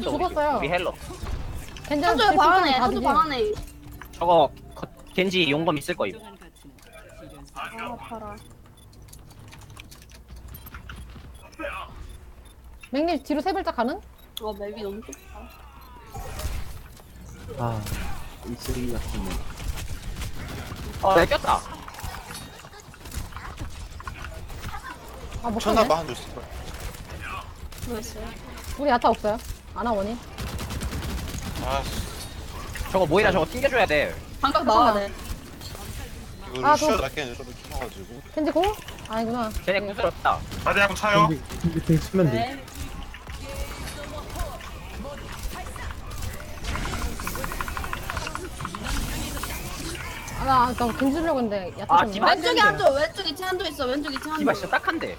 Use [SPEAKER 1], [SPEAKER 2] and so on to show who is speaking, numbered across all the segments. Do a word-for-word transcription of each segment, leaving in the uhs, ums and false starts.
[SPEAKER 1] 있어 우리,
[SPEAKER 2] 죽었어요.
[SPEAKER 1] 우리 헬로.
[SPEAKER 2] 괜찮아.
[SPEAKER 3] 한조 방 안에 한조 방 안에.
[SPEAKER 1] 저거 거, 겐지 용검 있을 거임.
[SPEAKER 3] 아 아파라.
[SPEAKER 2] 맥님 뒤로 세 발짝 가는?
[SPEAKER 3] 어 맵이 너무 좁다.
[SPEAKER 4] 아, 이 쓰레기 같은 거.
[SPEAKER 1] 어, 내 꼈다.
[SPEAKER 2] 아, 못
[SPEAKER 5] 천사
[SPEAKER 2] 가네.
[SPEAKER 5] 봐 한줄 있을 거야.
[SPEAKER 3] 뭐였어요?
[SPEAKER 2] 우리 야타 없어요. 아나 원이.
[SPEAKER 5] 아씨
[SPEAKER 1] 저거 모이라 저거 튕겨줘야 돼.
[SPEAKER 3] 방각 나와야 돼.
[SPEAKER 5] 이거
[SPEAKER 2] 아,
[SPEAKER 5] 루시아
[SPEAKER 2] 저-
[SPEAKER 5] 낮게 좀 키워가지고.
[SPEAKER 2] 겐지 공? 아니구나.
[SPEAKER 1] 쟤네 궁스럽다.
[SPEAKER 6] 다리 한번 차요.
[SPEAKER 4] 근데 등 쓰면 돼.
[SPEAKER 3] 네.
[SPEAKER 2] 아, 나, 나 겐지 주려고 했는데 야타
[SPEAKER 1] 아,
[SPEAKER 2] 좀.
[SPEAKER 1] 디바.
[SPEAKER 3] 왼쪽에 한조 왼쪽 이층 한조 있어. 왼쪽 이층 한조.
[SPEAKER 1] 디바 진짜 딱한데.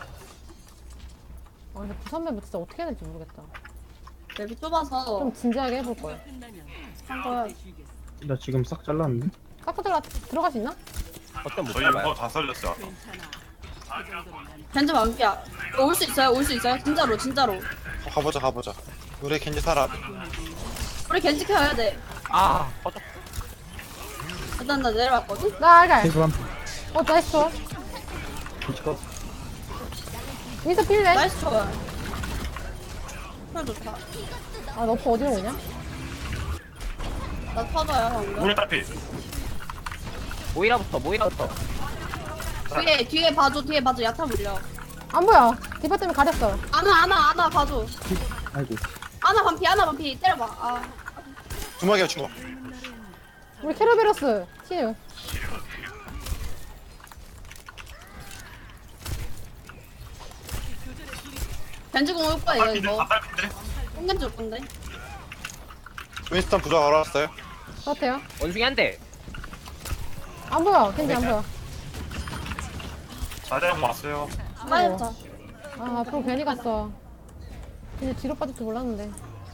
[SPEAKER 2] 아, 근데 부산 맵 진짜 어떻게 해야 될지 모르겠다.
[SPEAKER 3] 맵이 좁아서
[SPEAKER 2] 좀 진지하게 해볼 거야.
[SPEAKER 3] 한 거야.
[SPEAKER 4] 나 지금 싹 잘랐는데?
[SPEAKER 2] 깍두기가 들어갈 수 있나?
[SPEAKER 1] 어쩜 못
[SPEAKER 6] 저희
[SPEAKER 1] 잡아요.
[SPEAKER 6] 이거 다 살렸어. 아까.
[SPEAKER 3] 벤츠 만피야. 올 수 있어요? 올 수 있어요? 진짜로 진짜로.
[SPEAKER 5] 어, 가보자 가보자. 우리 겐지 살아.
[SPEAKER 3] 우리 겐지 켜야 돼.
[SPEAKER 1] 아, 꺼져.
[SPEAKER 3] 일단 나 내려왔거든.
[SPEAKER 2] 나 알갈.
[SPEAKER 4] 탱크 한
[SPEAKER 2] 어, 나이스 좋아.
[SPEAKER 4] 번.
[SPEAKER 2] 미스 필래?
[SPEAKER 3] 나이스 좋아. 헐 좋다.
[SPEAKER 2] 아, 너프 어디로 오냐?
[SPEAKER 3] 나 터져요 방금.
[SPEAKER 6] 우리 딸피.
[SPEAKER 1] 모이라부터 모이라부터.
[SPEAKER 3] 뒤에 뒤에 봐줘 뒤에 봐줘 야타 물려.
[SPEAKER 2] 안 보여. 디바 때문에 가렸어.
[SPEAKER 3] 아나 아나 아나 봐줘.
[SPEAKER 4] 아이고.
[SPEAKER 3] 아나 반피 아나 반피 때려봐. 아
[SPEAKER 5] 주먹이야 주먹.
[SPEAKER 2] 우리 캐러베러스. 치유.
[SPEAKER 3] 벤츠공 올 거예요
[SPEAKER 6] 딸피인데?
[SPEAKER 3] 이거.
[SPEAKER 6] 다 딸피인데?
[SPEAKER 3] 꽁겐 줄 건데.
[SPEAKER 5] 윈스턴 부자 알아왔어요?
[SPEAKER 2] 그렇대요.
[SPEAKER 1] 원숭이 한 대.
[SPEAKER 2] 안 보여. 겐지 안 보여.
[SPEAKER 6] 다리 한번 왔어요.
[SPEAKER 3] 빠졌다.
[SPEAKER 2] 아, 앞으로 괜히 갔어. 근데 뒤로 빠질 줄 몰랐는데.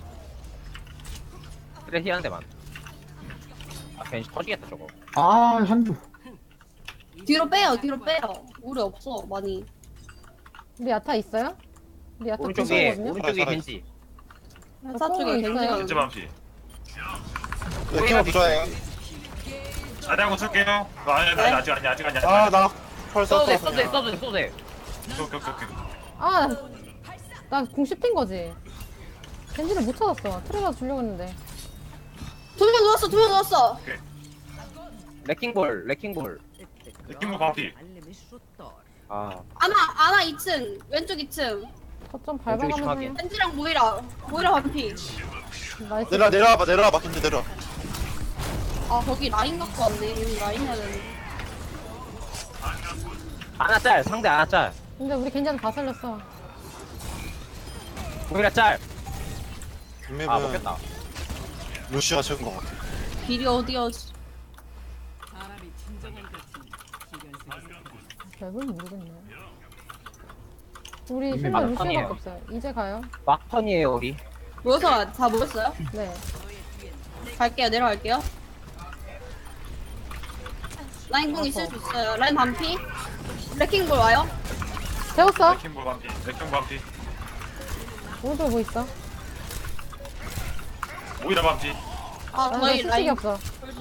[SPEAKER 1] 그래 희한 데만. 아, 괜히 터지겠다 저거.
[SPEAKER 4] 아, 한두.
[SPEAKER 3] 뒤로 빼요 뒤로 빼요. 우리 없어 많이.
[SPEAKER 2] 우리 야타 있어요? 우리 야타
[SPEAKER 1] 오른쪽에
[SPEAKER 2] 구성이거든요?
[SPEAKER 1] 오른쪽에
[SPEAKER 5] 살아,
[SPEAKER 1] 겐지.
[SPEAKER 3] 회사 쪽에
[SPEAKER 2] 있어요.
[SPEAKER 3] 겐지가.
[SPEAKER 6] 겐지 밤피.
[SPEAKER 5] 네, 킹어 부자예요.
[SPEAKER 6] 다리 한번 쓸게요. 어, 아니 아니 아직 아니 아직 아니 아직.
[SPEAKER 5] 아나펄
[SPEAKER 1] 써도
[SPEAKER 5] 썼어.
[SPEAKER 1] 돼 써도 돼 써도 돼.
[SPEAKER 6] 오케이 오케이 오케이.
[SPEAKER 2] 아, 나공 씹힌 거지. 겐지를 못 찾았어. 트레가 주려고 했는데.
[SPEAKER 3] 두 명 누웠어 두 명 누웠어.
[SPEAKER 1] 레킹볼 레킹볼.
[SPEAKER 6] 느낌도 밤피.
[SPEAKER 1] 아,
[SPEAKER 3] 아나 아나 이 층 왼쪽 이 층.
[SPEAKER 2] 거점
[SPEAKER 1] 왼쪽이
[SPEAKER 2] 밟아가면서
[SPEAKER 1] 심하게.
[SPEAKER 2] 해.
[SPEAKER 3] 벤지랑 모이라 모이라 반피.
[SPEAKER 2] 나이스.
[SPEAKER 5] 내려 내려와봐 내려와봐 겐지 내려.
[SPEAKER 3] 아 거기 라인 갖고 왔네. 여기 라인 해야 되네.
[SPEAKER 1] 하나 짤 상대 하나 짤.
[SPEAKER 2] 근데 우리 겐지는 다 살렸어.
[SPEAKER 1] 모이라 짤. 아
[SPEAKER 5] 맵은
[SPEAKER 1] 먹겠다.
[SPEAKER 5] 루시아 최고인 것 같아.
[SPEAKER 3] 길이 어디야?
[SPEAKER 2] 맵을 모르겠네. 우리
[SPEAKER 4] 이미
[SPEAKER 2] 힐러
[SPEAKER 1] 막판이에요.
[SPEAKER 2] 루시오밖에 없어요. 이제 가요.
[SPEAKER 1] 막판이에요 우리.
[SPEAKER 3] 모여서 다 모였어요?
[SPEAKER 2] 네.
[SPEAKER 3] 갈게요 내려갈게요. 라인 공 있을 수 있어요. 라인 반피. 레킹볼 와요?
[SPEAKER 2] 재웠어?
[SPEAKER 6] 레킹볼 밤피. 레킹 밤피.
[SPEAKER 2] 오른쪽에 뭐 있어?
[SPEAKER 6] 오히려 밤피.
[SPEAKER 3] 아
[SPEAKER 2] 아, 나
[SPEAKER 3] 저희
[SPEAKER 2] 수식이
[SPEAKER 3] 라인.
[SPEAKER 2] 없어.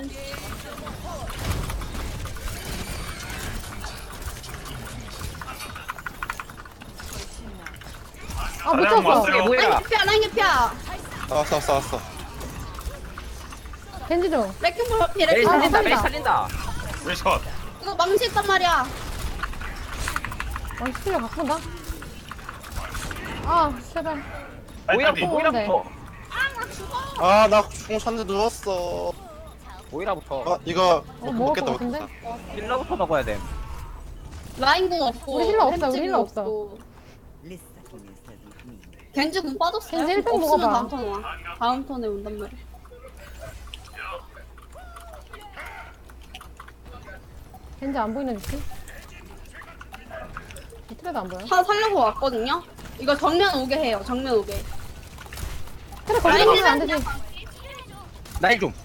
[SPEAKER 2] 아, 못
[SPEAKER 6] 다리 한번
[SPEAKER 2] 찾았어.
[SPEAKER 6] 왔어요.
[SPEAKER 3] 라인
[SPEAKER 1] 모이라.
[SPEAKER 3] 개피야 라인 개피야.
[SPEAKER 5] 나왔어 왔어 왔어.
[SPEAKER 2] 겐지 좀.
[SPEAKER 3] 레킹볼 반피
[SPEAKER 1] 메리
[SPEAKER 3] 레킹볼
[SPEAKER 2] 아,
[SPEAKER 1] 살린다
[SPEAKER 3] 반피.
[SPEAKER 1] 메리
[SPEAKER 2] 살린다.
[SPEAKER 1] 살린다.
[SPEAKER 6] 레이스 컷.
[SPEAKER 3] 이거 망치 있단 말이야.
[SPEAKER 2] 아, 스틸러 갖고 온다? 아, 제발.
[SPEAKER 6] 아니 딸피.
[SPEAKER 1] 모이라부터 모이라부터.
[SPEAKER 5] 아나공 샀는데 누웠어.
[SPEAKER 1] 모이라부터.
[SPEAKER 5] 아 이거
[SPEAKER 2] 어,
[SPEAKER 5] 못
[SPEAKER 2] 먹을
[SPEAKER 5] 먹겠다
[SPEAKER 2] 것 같은데?
[SPEAKER 5] 먹겠다.
[SPEAKER 1] 힐러부터 먹어야 돼.
[SPEAKER 3] 라인 공 없고.
[SPEAKER 2] 우리 힐러 없어, 우리
[SPEAKER 3] 햄찌
[SPEAKER 2] 힐러
[SPEAKER 3] 공
[SPEAKER 2] 없어.
[SPEAKER 3] 없고. 겐지 공 빠졌어요?
[SPEAKER 2] 겐지 일 등
[SPEAKER 3] 없으면
[SPEAKER 2] 먹어봐.
[SPEAKER 3] 다음 턴 와. 다음 턴에 온단 말이야.
[SPEAKER 2] 겐지 안 보이는 위치? 트레도 안 보여.
[SPEAKER 3] 다 살려고 왔거든요? 이거 정면 오게 해요, 정면 오게.
[SPEAKER 2] 트레 걸리면 안 되지.
[SPEAKER 1] 나일 좀.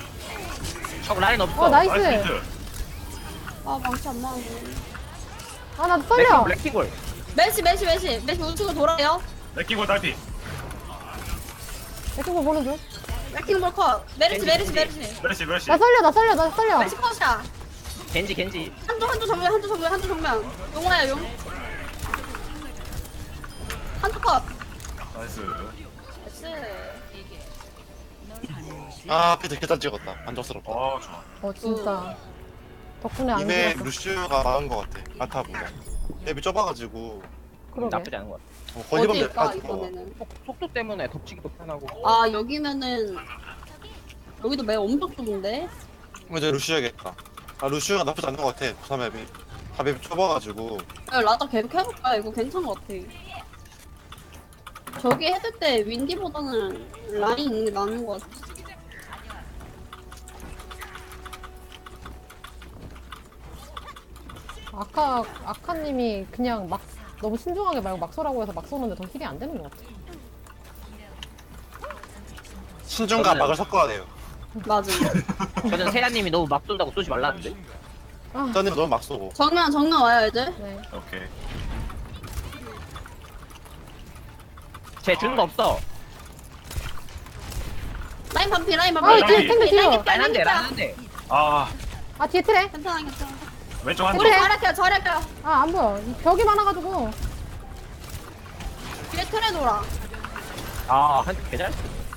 [SPEAKER 1] 저 라인 없어.
[SPEAKER 2] 어, 나이스.
[SPEAKER 6] 나이스.
[SPEAKER 3] 아, 망치 안 나오네.
[SPEAKER 2] 아, 나 썰려.
[SPEAKER 1] 블랙킹볼.
[SPEAKER 3] 메시 메시 메시 메시 우측으로 돌아요.
[SPEAKER 6] 레킹볼 딸피.
[SPEAKER 2] 레킹볼 보는 중.
[SPEAKER 3] 레킹볼 컷. 메르시 메르시 메르시.
[SPEAKER 6] 메르시 메르시.
[SPEAKER 2] 나 썰려, 나 썰려, 나 썰려.
[SPEAKER 3] 메시 컷이야.
[SPEAKER 1] 겐지 겐지.
[SPEAKER 3] 한쪽 한쪽 정면 한쪽 정면 한쪽 정면. 용화야 용. 한쪽 컷.
[SPEAKER 6] 나이스.
[SPEAKER 3] 나이스.
[SPEAKER 5] 아 피드 개잘 찍었다. 만족스럽다.
[SPEAKER 6] 어 좋아.
[SPEAKER 2] 어, 진짜. 덕분에 안
[SPEAKER 5] 이메
[SPEAKER 2] 죽었어.
[SPEAKER 5] 루시우가 나은 것 같아. 아타보다. 맵이 좁아가지고
[SPEAKER 2] 그러게.
[SPEAKER 1] 나쁘지 않은 것 같아.
[SPEAKER 5] 어, 거리범
[SPEAKER 3] 어디일까
[SPEAKER 5] 될
[SPEAKER 3] 이번에는.
[SPEAKER 1] 속- 속도 때문에 덮치기도 편하고.
[SPEAKER 3] 아 여기면은 여기도 맵 엄청 좁은데.
[SPEAKER 5] 이제 루시우겠다. 아 루시우가 나쁘지 않은 것 같아. 부산 맵이. 다 맵이 좁아가지고.
[SPEAKER 3] 야, 라자 계속 해볼까? 이거 괜찮은 것 같아. 저기 해줄 때 윈디보다는 라인 있는 게 나은 것 같아.
[SPEAKER 2] 아까, 아카님이 그냥 막, 너무 신중하게 말고 막 쏘라고 해서 막 쏘는데 더 힐이 안 되는 것 같아.
[SPEAKER 5] 신중과
[SPEAKER 1] 저는-
[SPEAKER 5] 막을 섞어야 돼요.
[SPEAKER 3] 맞아.
[SPEAKER 1] 저는 세라님이 너무 막 쏜다고 쏘지 말라는데.
[SPEAKER 2] 아,
[SPEAKER 5] 짠님 너무 막 쏘고.
[SPEAKER 3] 정면, 정면 와요, 이제.
[SPEAKER 2] 네.
[SPEAKER 6] 오케이.
[SPEAKER 1] 쟤 주는 거 없어.
[SPEAKER 3] 라인 반피, 라인
[SPEAKER 2] 아,
[SPEAKER 3] 반피.
[SPEAKER 2] 뒤에 탱글 뒤에.
[SPEAKER 1] 라인 한 대, 라인 한 대.
[SPEAKER 6] 아
[SPEAKER 2] 아, 뒤에 트레.
[SPEAKER 3] 괜찮아, 괜찮아.
[SPEAKER 6] 왼쪽 한
[SPEAKER 3] 우리
[SPEAKER 6] 대.
[SPEAKER 3] 잘할게요, 잘할게요.
[SPEAKER 2] 아, 안 보여. 이 벽이 많아가지고.
[SPEAKER 3] 뒤에 틀에 돌아.
[SPEAKER 1] 아, 한 개잘.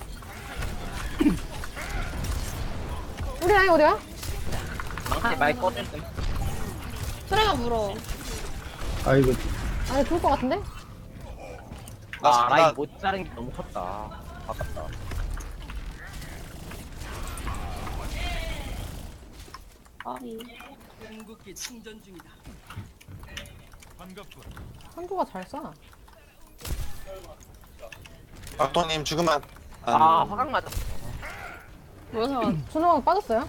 [SPEAKER 2] 우리 라인 어디야?
[SPEAKER 1] 망치 많이 꺼낼 때.
[SPEAKER 3] 틀에가 물어.
[SPEAKER 4] 아이고
[SPEAKER 2] 아니, 좋을 것 같은데?
[SPEAKER 5] 나,
[SPEAKER 1] 아,
[SPEAKER 5] 나,
[SPEAKER 1] 라인 못 자른 게 너무 컸다. 아깝다.
[SPEAKER 3] 아니.
[SPEAKER 2] 한조가 잘 쏴.
[SPEAKER 5] 박도님 죽으면 안.
[SPEAKER 1] 아, 화강 맞았어.
[SPEAKER 3] 뭐여서
[SPEAKER 2] 준호가 빠졌어요?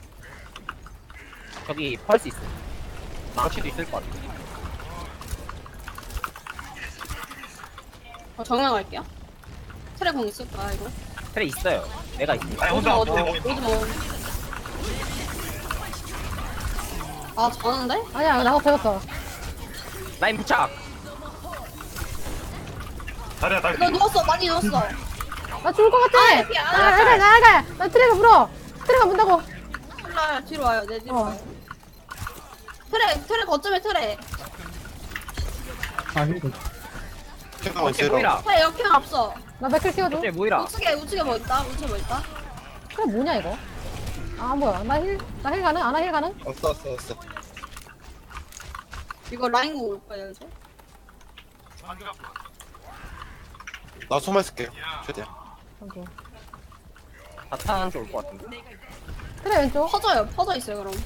[SPEAKER 1] 저기 펄스 있어. 망치도 있을 것 같아.
[SPEAKER 3] 어, 정면 갈게요. 틀에 공 있을 거야, 이거.
[SPEAKER 1] 그래 있어요. 내가 있어.
[SPEAKER 6] 아니
[SPEAKER 3] 오지
[SPEAKER 6] 혼자
[SPEAKER 3] 마, 오지 마,
[SPEAKER 6] 밑에
[SPEAKER 3] 오지 마. 아, 저는데?
[SPEAKER 2] 아니야, 나가 되었어.
[SPEAKER 1] 라인 부착.
[SPEAKER 6] 다리야 딸피.
[SPEAKER 3] 너 누웠어, 많이 누웠어.
[SPEAKER 2] 나 죽을 것 같아!
[SPEAKER 3] 아, 이렇게 안
[SPEAKER 2] 나 나가, 나가! 나 트레가 물어! 트레가 문다고!
[SPEAKER 3] 틀라 뒤로 와요, 내 뒤로
[SPEAKER 2] 어.
[SPEAKER 3] 와요. 틀에, 틀에 거점에 틀에.
[SPEAKER 4] 아이고
[SPEAKER 5] 캐가
[SPEAKER 1] 어째
[SPEAKER 5] 있어요.
[SPEAKER 1] 모이라.
[SPEAKER 3] 틀에 역행 없어.
[SPEAKER 2] 나 맥클 씌워줘.
[SPEAKER 1] 어째 모이라.
[SPEAKER 3] 우측에, 우측에 뭐 있다? 우측에 뭐 있다?
[SPEAKER 2] 트레 뭐냐, 이거? 아, 뭐야. 나 힐, 나 힐 가능? 아나 힐 가능?
[SPEAKER 5] 왔어 왔어 왔어.
[SPEAKER 3] 이거 라인 공올 거예요, 이제.
[SPEAKER 5] 나 소말 쓸게요. 최대한.
[SPEAKER 2] 아이고.
[SPEAKER 1] 바탕 좋을 것 같은데.
[SPEAKER 2] 트레 왼쪽.
[SPEAKER 3] 퍼져요, 퍼져 있어요, 그럼.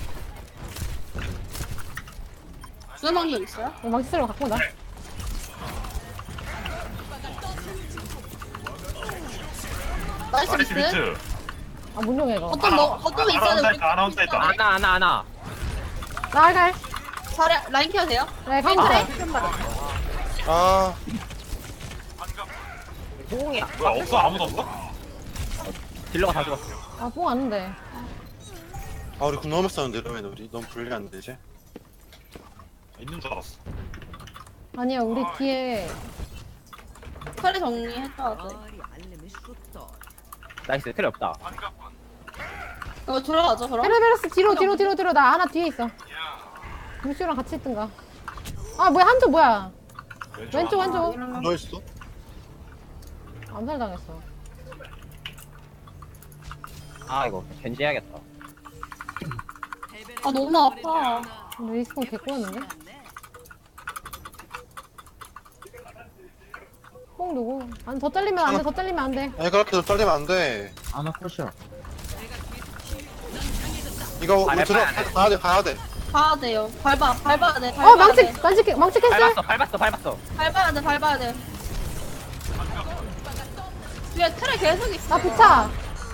[SPEAKER 3] 주는 방법 있어요?
[SPEAKER 2] 이거 망치 쓰려고 갖고 온다.
[SPEAKER 3] 나이스
[SPEAKER 6] 나이스
[SPEAKER 3] 비트.
[SPEAKER 6] 비트.
[SPEAKER 2] 아, 못 용해, 이거.
[SPEAKER 3] 거점 뭐, 거점에 있어야 돼, 우리.
[SPEAKER 6] 아나 혼자 있다.
[SPEAKER 1] 아나 아나 아나.
[SPEAKER 2] 나 알갈.
[SPEAKER 3] 자리, 라인 케어 돼요?
[SPEAKER 2] 네, 카운터.
[SPEAKER 5] 아
[SPEAKER 1] 호응이야.
[SPEAKER 6] 뭐야 없어 아무도 없어?
[SPEAKER 1] 딜러가 다 죽었어.
[SPEAKER 2] 아, 뽕 왔는데.
[SPEAKER 5] 아 우리 군 너무 싸는데 이러면 우리 너무 불리한데 이제.
[SPEAKER 6] 있는 줄 알았어.
[SPEAKER 2] 아니야, 우리 뒤에.
[SPEAKER 3] 틀에 정리해줘야 돼.
[SPEAKER 1] 나이스. 틀이 없다.
[SPEAKER 3] 이거 들어가죠, 그럼?
[SPEAKER 2] 헤르베르스 뒤로, 뒤로, 뒤로, 뒤로. 나 하나 뒤에 있어. 루시오랑 같이 있든가. 아, 뭐야, 한조 뭐야. 왼쪽, 한조.
[SPEAKER 3] 이러면
[SPEAKER 5] 너 있어?
[SPEAKER 2] 암살 당했어.
[SPEAKER 1] 아 이거 겐지 해야겠다.
[SPEAKER 3] 아, 너무 아파.
[SPEAKER 2] 근데 리스폰 개꼬였는데? 뽕 누구? 아니, 더 잘리면 안 돼, 더 잘리면 안 돼.
[SPEAKER 5] 아니 그렇게 좀 떨리면 안 돼.
[SPEAKER 4] 아나 컷이야.
[SPEAKER 5] 이거
[SPEAKER 1] 아,
[SPEAKER 5] 우리 들어
[SPEAKER 1] 밟아야 돼.
[SPEAKER 5] 가야 돼 가야 돼.
[SPEAKER 3] 가야 돼요. 밟아, 밟아야 돼, 밟아야
[SPEAKER 2] 어, 망치,
[SPEAKER 3] 돼.
[SPEAKER 2] 망치, 망치 캔슬?
[SPEAKER 1] 밟았어 밟았어 밟았어.
[SPEAKER 3] 밟아야 돼, 밟아야 돼. 뒤에 틀에 계속 있어.
[SPEAKER 2] 나 부차.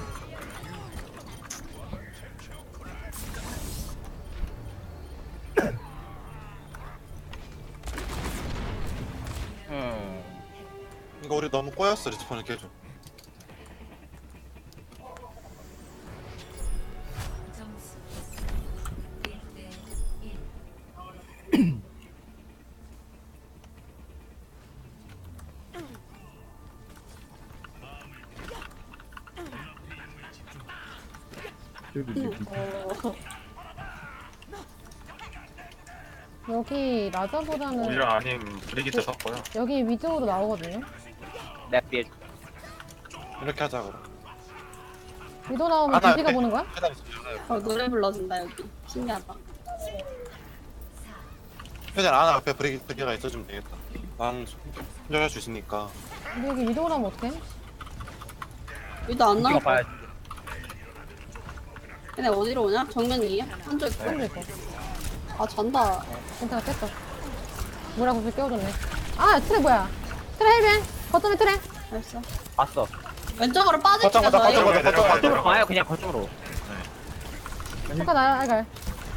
[SPEAKER 1] 음.
[SPEAKER 5] 이거 우리 너무 꼬였어 리스폰을 깨줘.
[SPEAKER 3] 어,
[SPEAKER 2] 여기 라자보다는
[SPEAKER 6] 오히려 아닌 브리기트 섰고요.
[SPEAKER 2] 여기 위쪽으로 나오거든요.
[SPEAKER 1] 내 뒤에
[SPEAKER 5] 이렇게 하자 그럼.
[SPEAKER 2] 위도 나오면
[SPEAKER 5] 아, 나
[SPEAKER 2] 준비가
[SPEAKER 5] 옆에.
[SPEAKER 2] 보는 거야?
[SPEAKER 5] 계단 있어.
[SPEAKER 3] 어, 노래 불러준다 여기. 신기하다.
[SPEAKER 5] 회장 안 앞에 브레이크 브레이크가 있어주면 되겠다. 난 손절할 수 있으니까.
[SPEAKER 2] 근데 여기 위도 나오면 어떡해?
[SPEAKER 3] 여기도 안
[SPEAKER 1] 이거
[SPEAKER 3] 나올 거야.
[SPEAKER 1] 봐야지.
[SPEAKER 3] 얘네 어디로 오냐? 정면이에요? 한쪽 있고.
[SPEAKER 2] 떨릴 거.
[SPEAKER 3] 아 잔다.
[SPEAKER 2] 괜찮아, 깼어. 뭐라고 그 깨워줬네. 아, 트레 뭐야? 트레 헬벤! 거점에 트레!
[SPEAKER 3] 알았어.
[SPEAKER 1] 봤어.
[SPEAKER 3] 왼쪽으로 빠질게요
[SPEAKER 5] 거점, 거점,
[SPEAKER 3] 저희.
[SPEAKER 5] 거점, 거점, 거점.
[SPEAKER 1] 거쪽으로 가요 그냥 거쪽으로.
[SPEAKER 2] 잠깐 나, 알갈.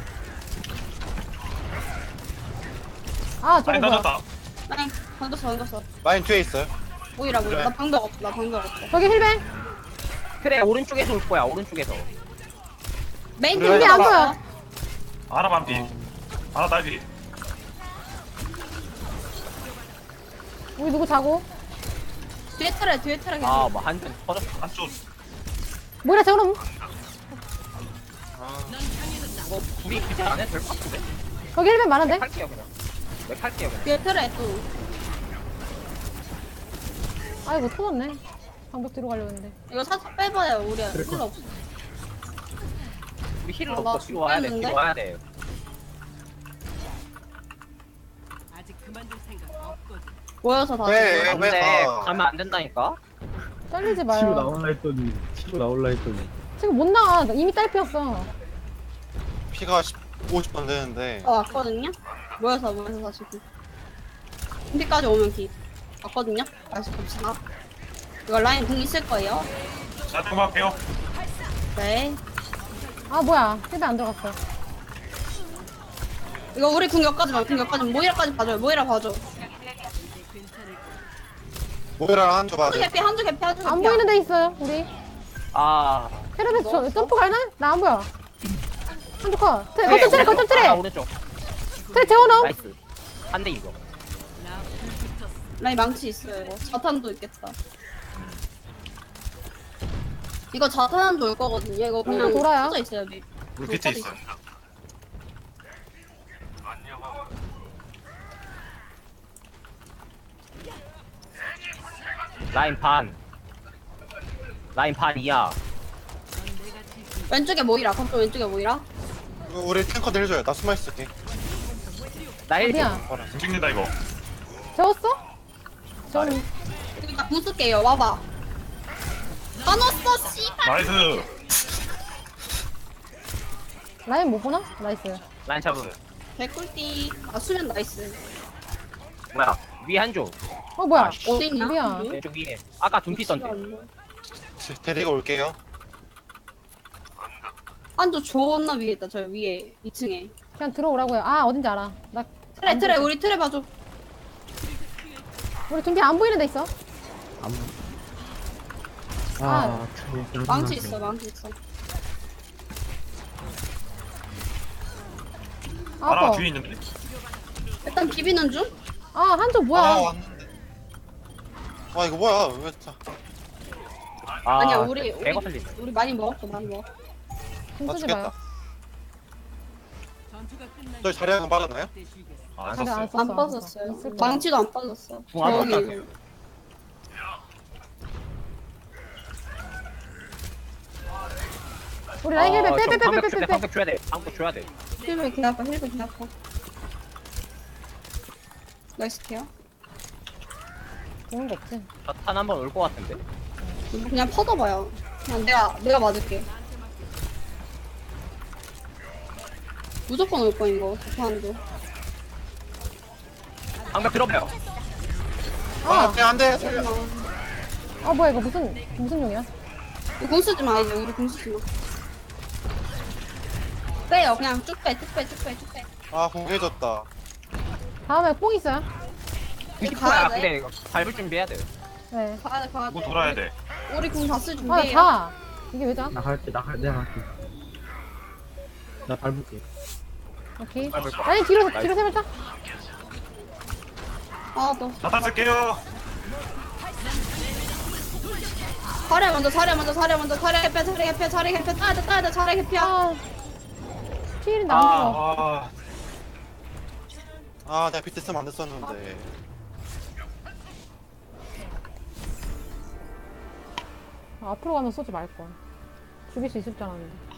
[SPEAKER 2] 아, 저거
[SPEAKER 6] 아니
[SPEAKER 2] 뭐야?
[SPEAKER 6] 던졌다.
[SPEAKER 3] 아니 던졌어 던졌어.
[SPEAKER 5] 라인 뒤에 있어요.
[SPEAKER 3] 모이라 모이라. 나 방벽 없어. 나 방벽 없어.
[SPEAKER 2] 저기 힐벤!
[SPEAKER 1] 그래 오른쪽에서 올 거야 오른쪽에서.
[SPEAKER 3] 메인
[SPEAKER 5] 그래,
[SPEAKER 3] 팀이
[SPEAKER 2] 안
[SPEAKER 3] 안
[SPEAKER 2] 보여.
[SPEAKER 3] 보여.
[SPEAKER 6] 하나 반피. 하나 딸피.
[SPEAKER 2] 우리 누구 자고?
[SPEAKER 3] 뒤에 틀에 뒤에 틀에 계속.
[SPEAKER 1] 아뭐 한편 터졌어.
[SPEAKER 6] 한쪽.
[SPEAKER 2] 뭐라 저럼?
[SPEAKER 1] 뭐 둘이 그지 안 해도 될 것 같은데.
[SPEAKER 2] 거기 힐벤 많은데?
[SPEAKER 1] 할게요 그냥. 왜 할게요 그냥.
[SPEAKER 3] 뒤에 틀에 또.
[SPEAKER 2] 아이고, 터졌네. 방벽 뒤로 가려고 했는데.
[SPEAKER 3] 이거 살짝 빼봐요. 우리 힐러 없어.
[SPEAKER 1] 우리 힐을
[SPEAKER 3] 아, 나
[SPEAKER 1] 없어 뒤로 와야 돼
[SPEAKER 3] 죽겠는데?
[SPEAKER 1] 뒤로 와야 돼.
[SPEAKER 3] 모여서 다시.
[SPEAKER 5] 왜?
[SPEAKER 3] 모여.
[SPEAKER 1] 안돼
[SPEAKER 5] 가?
[SPEAKER 1] 가면 안 된다니까.
[SPEAKER 2] 잘리지
[SPEAKER 4] 치고
[SPEAKER 2] 마요.
[SPEAKER 4] 나올라 했더니 치고 나올라 했더니
[SPEAKER 2] 지금 못 나가. 나 이미 딸피였어.
[SPEAKER 5] 피가 오십 번 되는데.
[SPEAKER 3] 어 왔거든요. 모여서 모여서 다시. 준비까지 오면 기. 왔거든요. 다시 봅시다. 이거 라인 공 있을 거예요.
[SPEAKER 6] 자 조금만 할게요.
[SPEAKER 3] 네.
[SPEAKER 2] 아, 뭐야. 힐벤 안 들어갔어.
[SPEAKER 3] 이거 우리 궁 여기까지 마. 궁 여기까지 모이라까지 봐줘요. 모이라 봐줘.
[SPEAKER 5] 모이라 한조 봐야
[SPEAKER 3] 한쪽
[SPEAKER 5] 돼.
[SPEAKER 3] 개피 한쪽 개피 한쪽 개피.
[SPEAKER 2] 안 보이는 데 있어요, 우리.
[SPEAKER 1] 아.
[SPEAKER 2] 헤르베스 저, 점프 갈나? 나 안 보여. 한쪽 컷. 트레,
[SPEAKER 1] 그래,
[SPEAKER 2] 거점 트레, 거점
[SPEAKER 1] 오른쪽. 아,
[SPEAKER 2] 트레!
[SPEAKER 1] 오른쪽.
[SPEAKER 2] 트레 재워놓음!
[SPEAKER 1] 나이스. 한 대 이거.
[SPEAKER 3] 라인 망치 있어요. 이거 자탄도 있겠다. 이거 자탄도 올 거거든요. 이거 그냥
[SPEAKER 2] 음, 돌아요.
[SPEAKER 3] 져 있어요. 미.
[SPEAKER 6] 우리 피트 있어.
[SPEAKER 1] 라인 반. 라인 반이야.
[SPEAKER 3] 왼쪽에 모이라. 그쪽 왼쪽에 모이라.
[SPEAKER 5] 이거 우리 탱커들 해줘요. 나 숨어 있을게.
[SPEAKER 1] 나 일.
[SPEAKER 2] 어디야?
[SPEAKER 5] 봐라.
[SPEAKER 6] 찍는다 이거.
[SPEAKER 2] 재웠어? 전
[SPEAKER 3] 여기 나 부술게요. 와봐. 안 왔어, 씨발.
[SPEAKER 6] 나이스.
[SPEAKER 2] 라인 못 보나? 나이스.
[SPEAKER 1] 라인 잡음.
[SPEAKER 3] 개꿀띠. 아, 수면 나이스.
[SPEAKER 1] 뭐야? 위에 한 조.
[SPEAKER 2] 어, 뭐야?
[SPEAKER 1] 아, 씨.
[SPEAKER 3] 어디 있냐?
[SPEAKER 2] 미안.
[SPEAKER 1] 왼쪽 위에. 아까 둠피 던데.
[SPEAKER 5] 데리고 올게요.
[SPEAKER 3] 안조 존나 위에 있다. 저 위에 이 층에.
[SPEAKER 2] 그냥 들어오라고요. 아, 어딘지 알아. 나
[SPEAKER 3] 트레 트레 우리 트레 봐줘.
[SPEAKER 2] 우리 준비 안 보이는 데 있어.
[SPEAKER 4] 아
[SPEAKER 3] 망치 있어. 망치 있어.
[SPEAKER 2] 아,
[SPEAKER 6] 하나
[SPEAKER 2] 아파.
[SPEAKER 6] 뒤에 있는데.
[SPEAKER 3] 일단 비비는 중.
[SPEAKER 2] 아, 한쪽 뭐야?
[SPEAKER 5] 아 왔는데. 아 이거 뭐야? 왜 자?
[SPEAKER 1] 아,
[SPEAKER 3] 아니야 우리 우리
[SPEAKER 1] 배가 살리네.
[SPEAKER 3] 우리 많이 먹었어. 많이 먹어.
[SPEAKER 2] 힘
[SPEAKER 5] 나
[SPEAKER 2] 쓰지
[SPEAKER 5] 죽겠다.
[SPEAKER 2] 마요.
[SPEAKER 5] 저희 자리하고 빨았나요?
[SPEAKER 6] 아, 안
[SPEAKER 2] 근데 안
[SPEAKER 6] 썼어요.
[SPEAKER 2] 썼어.
[SPEAKER 3] 안 빠졌어요.
[SPEAKER 2] 있을 거야.
[SPEAKER 3] 망치도 안 빠졌어.
[SPEAKER 1] 궁 하나
[SPEAKER 3] 저기
[SPEAKER 1] 깎아요.
[SPEAKER 2] 우리 라인 힐벤
[SPEAKER 1] 어, 좀 방벽 줘야 돼.
[SPEAKER 2] 빼빼빼빼빼빼.
[SPEAKER 1] 방벽 줘야 돼. 방벽 줘야 돼.
[SPEAKER 3] 힐을 개 아파. 힐을 개 아파. 나이스 케어.
[SPEAKER 2] 좋은 거 없지.
[SPEAKER 1] 저탄 한번 올 것 같은데.
[SPEAKER 3] 이거 그냥 퍼져봐요. 그냥 내가 내가 맞을게. 무조건 올 거인 거. 자판도.
[SPEAKER 1] 방벽 들어봐요.
[SPEAKER 5] 아,
[SPEAKER 2] 아,
[SPEAKER 5] 그냥 안 돼.
[SPEAKER 2] 아 뭐야 이거 무슨 무슨 용이야?
[SPEAKER 3] 공 쓰지 마 이제 우리 공 쓰지 마. 빼요. 그냥 쭉 빼, 쭉 빼, 쭉 빼, 쭉 빼.
[SPEAKER 5] 아 공개해줬다.
[SPEAKER 2] 다음에 뽕 있어요?
[SPEAKER 1] 이십
[SPEAKER 3] 가야
[SPEAKER 1] 퍼야
[SPEAKER 3] 돼?
[SPEAKER 1] 근데 이거 밟을 준비해야 돼.
[SPEAKER 2] 네.
[SPEAKER 3] 가야 돼, 가야
[SPEAKER 6] 이거
[SPEAKER 3] 돼.
[SPEAKER 6] 돌아야 돼.
[SPEAKER 3] 우리 공 다 쓸
[SPEAKER 2] 아,
[SPEAKER 3] 준비해요.
[SPEAKER 2] 자. 이게 왜 자?
[SPEAKER 4] 나갈게 나갈 내가 갈게 나 밟을게
[SPEAKER 2] 오케이.
[SPEAKER 1] 밟을 거.
[SPEAKER 2] 아니 뒤로
[SPEAKER 1] 나이스.
[SPEAKER 2] 뒤로 세 발짝.
[SPEAKER 3] 아, 너.
[SPEAKER 6] 자탄 쓸게요.
[SPEAKER 3] 사례 먼저 사례 먼저 사례 먼저 사례 개패 사례 개패 사례 개패 따야 돼 따야 돼 사례 개패야.
[SPEAKER 2] 아 피일인데 안 죽어.
[SPEAKER 6] 아,
[SPEAKER 5] 아 내가 비트 쓰면 안 됐었는데.
[SPEAKER 2] 아, 앞으로 가면 쏘지 말걸. 죽일 수 있을 줄 알았는데.